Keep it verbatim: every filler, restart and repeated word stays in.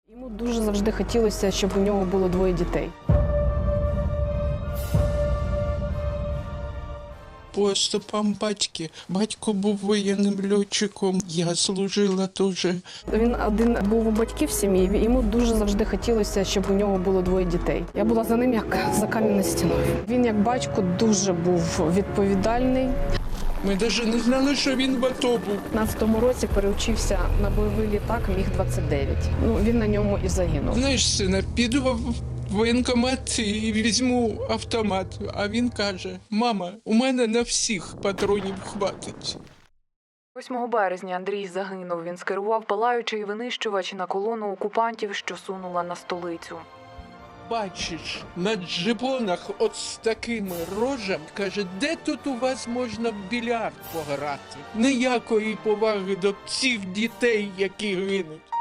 Йому дуже завжди хотілося, щоб у нього було двоє дітей. По стопам батьки. Батько був воєнним льотчиком, я служила теж. Він один був у батьків в сім'ї, йому дуже завжди хотілося, щоб у нього було двоє дітей. Я була за ним як за кам'яною стіною. Він як батько дуже був відповідальний. Ми навіть не знали, що він в АТО був. У п'ятнадцятому році переучився на бойовий літак міг двадцять дев'ять. Ну, він на ньому і загинув. Знаєш, сина, піду в воєнкомат і візьму автомат. А він каже: мама, у мене на всіх патронів хватить. восьмого березня Андрій загинув. Він скерував палаючий винищувач на колону окупантів, що сунула на столицю. Бачиш, на джипонах от з такими рожами, каже, де тут у вас можна в більярд пограти? Ніякої поваги до цих дітей, які гинуть.